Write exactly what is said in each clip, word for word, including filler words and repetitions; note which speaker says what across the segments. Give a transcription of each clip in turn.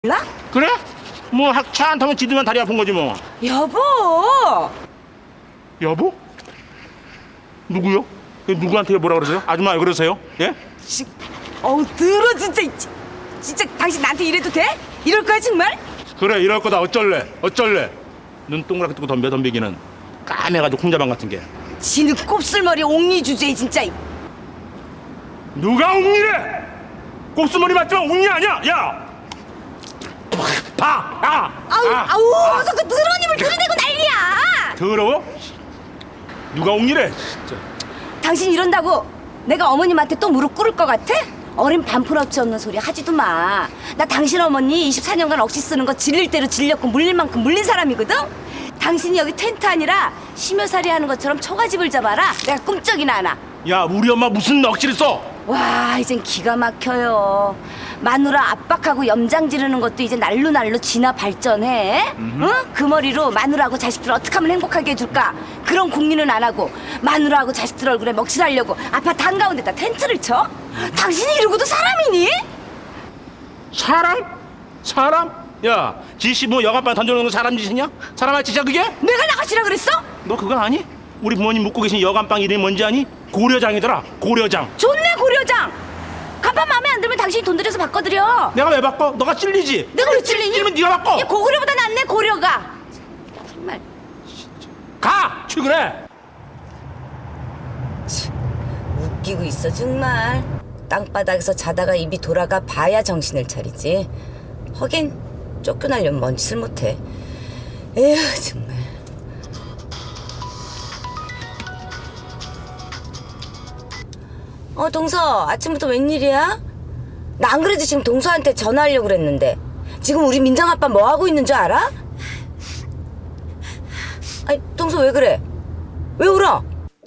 Speaker 1: 몰라?
Speaker 2: 그래? 뭐 차 안 타면 지들만 다리 아픈 거지 뭐.
Speaker 1: 여보!
Speaker 2: 여보? 누구요? 누구한테 뭐라 그러세요? 아줌마 왜 그러세요? 예?
Speaker 1: 지, 어우 들어 진짜 지- 진짜 당신 나한테 이래도 돼? 이럴 거야 정말?
Speaker 2: 그래 이럴 거다 어쩔래 어쩔래. 눈 동그랗게 뜨고 덤벼 덤비기는 까매가지고 콩자방 같은 게.
Speaker 1: 지는 곱슬머리 옥리 주제에 진짜.
Speaker 2: 누가 옥리래? 곱슬머리 맞지만 옥리 아니야. 야! 봐! 아!
Speaker 1: 아우
Speaker 2: 아!
Speaker 1: 아우
Speaker 2: 아!
Speaker 1: 어서 그 더러운 입을 들이대고 난리야.
Speaker 2: 더러워? 누가 옥리래? 진짜.
Speaker 1: 당신 이런다고 내가 어머님한테 또 무릎 꿇을 것 같아? 어린 반푼어치 없는 소리 하지도 마. 나 당신 어머니 이십사 년간 억시 쓰는 거 질릴 대로 질렸고 물릴 만큼 물린 사람이거든? 당신이 여기 텐트 아니라 심여살이 하는 것처럼 초가집을 잡아라. 내가 꿈쩍이나 하나.
Speaker 2: 야 우리 엄마 무슨 넋지를 써?
Speaker 1: 와 이젠 기가 막혀요. 마누라 압박하고 염장 지르는 것도 이제 날로 날로 진화 발전해. 응? 그 머리로 마누라하고 자식들 어떻게 하면 행복하게 해줄까? 그런 궁리는 안 하고 마누라하고 자식들 얼굴에 먹칠하려고 아파트 한가운데다 텐트를 쳐? 당신이 이러고도 사람이니?
Speaker 2: 사람? 사람? 야 지씨 뭐 여간방 던져놓는 거 사람 짓이냐? 사람 할 짓이야 그게?
Speaker 1: 내가 나가시라 그랬어?
Speaker 2: 너 그거 아니? 우리 부모님 묵고 계신 여간방 이름이 뭔지 아니? 고려장이더라 고려장.
Speaker 1: 좋네 고려장. 간판 마음에 안 들면 당신이 돈 들여서 바꿔드려.
Speaker 2: 내가 왜 바꿔? 너가 찔리지?
Speaker 1: 내가 왜 찔리니?
Speaker 2: 찔리면 네가 바꿔.
Speaker 1: 야, 고구려보다 낫네 고려가. 정말
Speaker 2: 가! 출근해!
Speaker 1: 웃기고 있어 정말. 땅바닥에서 자다가 입이 돌아가 봐야 정신을 차리지. 하긴 쫓겨나려면 뭔 짓을 못해. 에휴 정말. 어 동서 아침부터 웬일이야? 나 안 그래도 지금 동서한테 전화하려고 그랬는데 지금 우리 민정 아빠 뭐 하고 있는 줄 알아? 아니 동서 왜 그래? 왜 울어?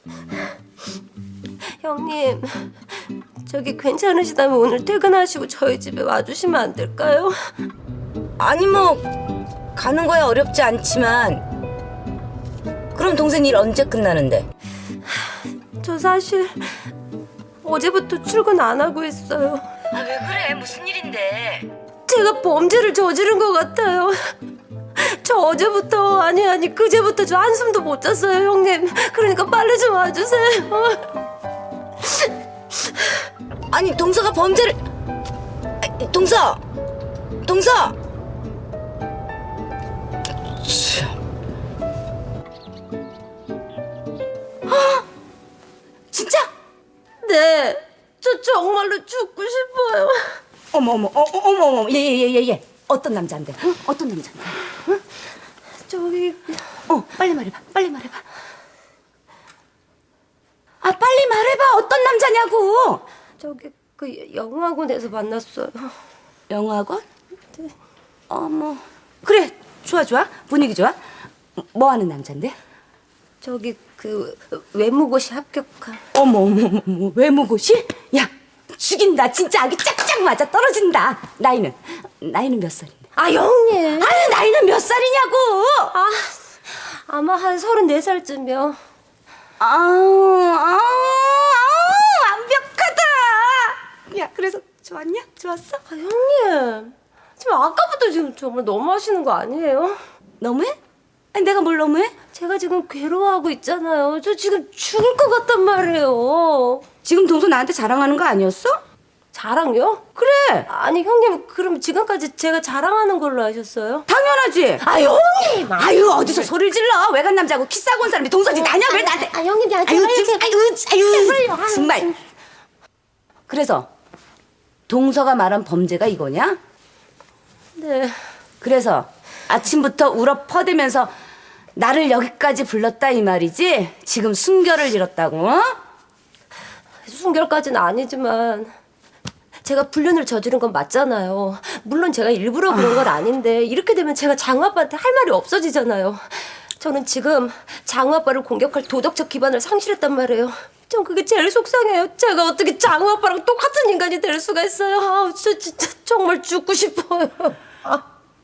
Speaker 3: 형님, 저기 괜찮으시다면 오늘 퇴근하시고 저희 집에 와주시면 안 될까요?
Speaker 1: 아니 뭐 가는 거야 어렵지 않지만 그럼 동생 일 언제 끝나는데?
Speaker 3: 저 사실 어제부터 출근 안 하고 있어요.
Speaker 1: 아 왜 그래 무슨 일인데?
Speaker 3: 제가 범죄를 저지른 것 같아요. 저 어제부터 아니 아니 그제부터 저 한숨도 못 잤어요 형님. 그러니까 빨리 좀 와주세요.
Speaker 1: 아니 동서가 범죄를 아, 동서 동서 아, 진짜?
Speaker 3: 네, 저 정말로 죽고 싶어요.
Speaker 1: 어머 어머 어, 어머 어머 예예예예 예, 예. 어떤 남자인데? 응? 어떤 남자인데? 응?
Speaker 3: 저기
Speaker 1: 어 빨리 말해봐 빨리 말해봐. 아 빨리 말해봐 어떤 남자냐고.
Speaker 3: 저기 그 영화관에서 만났어요.
Speaker 1: 영화관? 어머 그래 좋아 좋아 분위기 좋아. 뭐 하는 남잔데?
Speaker 3: 저기 그 외무고시 합격한.
Speaker 1: 어머 어머 어머, 어머 외모고시? 야 죽인다 진짜 아기 짝짝 맞아 떨어진다. 나이는 나이는 몇 살인데?
Speaker 3: 아 형님.
Speaker 1: 아유 나이는 몇 살이냐고.
Speaker 3: 아 아마 한 서른네 살쯤이요.
Speaker 1: 아우 아우 아우 완벽하다. 야 그래서 좋았냐? 좋았어?
Speaker 3: 아 형님 지금 아까부터 지금 정말 너무하시는 거 아니에요?
Speaker 1: 너무해? 아니 내가 뭘 너무해?
Speaker 3: 제가 지금 괴로워하고 있잖아요. 저 지금 죽을 것 같단 말이에요.
Speaker 1: 지금 동서 나한테 자랑하는 거 아니었어?
Speaker 3: 자랑요?
Speaker 1: 그래
Speaker 3: 아니 형님 그럼 지금까지 제가 자랑하는 걸로 아셨어요?
Speaker 1: 당연하지.
Speaker 3: 아 형님.
Speaker 1: 아유 어디서 소리를 질러. 외간 남자하고 키스하고 온 사람이 동서지 나냐 왜 나한테.
Speaker 3: 아 형님 야
Speaker 1: 아유 좀 아유 아유
Speaker 3: 제발요. 아유,
Speaker 1: 정말. 그래서 동서가 말한 범죄가 이거냐?
Speaker 3: 네.
Speaker 1: 그래서 아침부터 울어 퍼대면서 나를 여기까지 불렀다 이 말이지? 지금 순결을 잃었다고? 어?
Speaker 3: 순결까지는 아니지만 제가 불륜을 저지른 건 맞잖아요. 물론 제가 일부러 그런 건 아닌데 이렇게 되면 제가 장우 아빠한테 할 말이 없어지잖아요. 저는 지금 장우 아빠를 공격할 도덕적 기반을 상실했단 말이에요. 전 그게 제일 속상해요. 제가 어떻게 장우 아빠랑 똑같은 인간이 될 수가 있어요. 아우, 저 진짜 정말 죽고 싶어요. 아.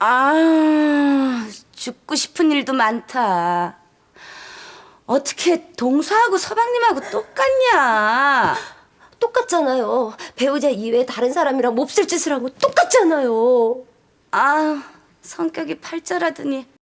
Speaker 1: 아 죽고 싶은 일도 많다. 어떻게 동서하고 서방님하고 똑같냐?
Speaker 3: 똑같잖아요. 배우자 이외에 다른 사람이랑 몹쓸 짓을 한 거 똑같잖아요.
Speaker 1: 아, 성격이 팔자라더니